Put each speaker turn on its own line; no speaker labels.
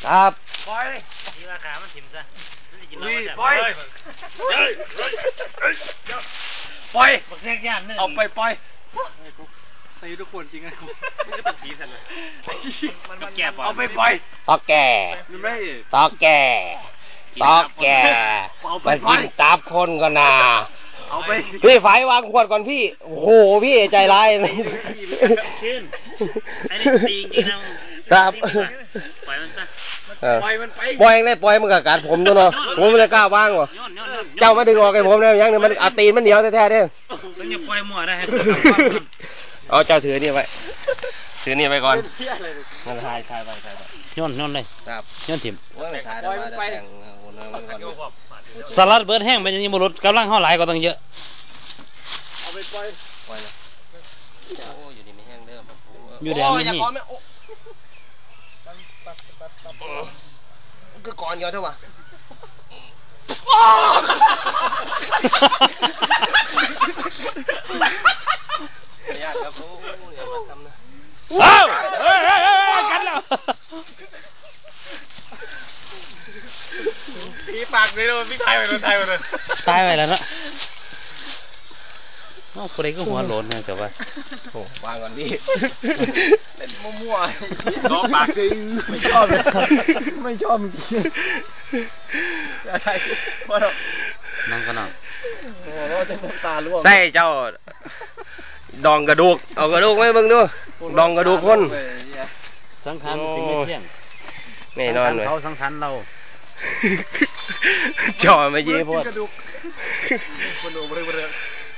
ครับ
ปล่อยทีราคามันถิ่มซะปล่อยปล่อยบักแซกย่านเอาไปปล่อยตีทุกคนจริงไงมันจะเป็นสีสันเลยเอาไปปล่อย
ตอกแก่ตอกแก่ตอกแก่มันกินตับคนก็นาพี่ไฟวางขวดก่อนพี่โอ้โหพี่ใจร้าย
ขึ้นไอ้นี่ตีจริงนะครับปล่อยมันซะปล่อยมันไป
ปล่อยเลยปล่อยมันกับกัดผมด้วยเนาะผมไม่ได้กล้าว่างว่ะเจ้ามาดึงออกให้ผมนะยังเนี่ยมันตีนมันเหนียวแท้ๆเด้
ต้องอย่าปล่อยมั่วได้
เอาเจ้าถือนี่ไว้ถือนี่ไว้ก่อนมันถ่ายไป
ย้อนเลย
ครับ
ย้อนถิ่ม
ปล่อยมันไป
สลัดเบิร์ดแห้งไปยังบรุษกำลังห่อหลายก็ต้องเยอะ
เอาไปปล่อยนะโอ้อยู่ดีไม่แห้งเด้อ
อยู่แดงนี่
ก็ก่อนเยอะเท่าไหร่ไม่ยากครับโอ้ยอย่ามาทำนะ
กันแล้ว
พี่ปากเลยเราพี่ไทยไปเลย
ตายไปแล้วนะน้องคนใดก็หัวโหลนเนี่ยแต่ว่า
โอ้วางก่อนดิ
เล่นมั่วๆน้องปากจริงไม่ชอบอะไร
น้องก็น้อง
โอ้เราจะน้ำตาล่วง
ใส่เจ้าดองกระดูกเอากระดูกไว้เบิ่งดูดองกระดูกคน
สังขารสิ่งไม่เที่ยง
แน่นอนเลย
เขาสังขารเรา
จ่อมาเย่พวก
กระดูกคนดูบริ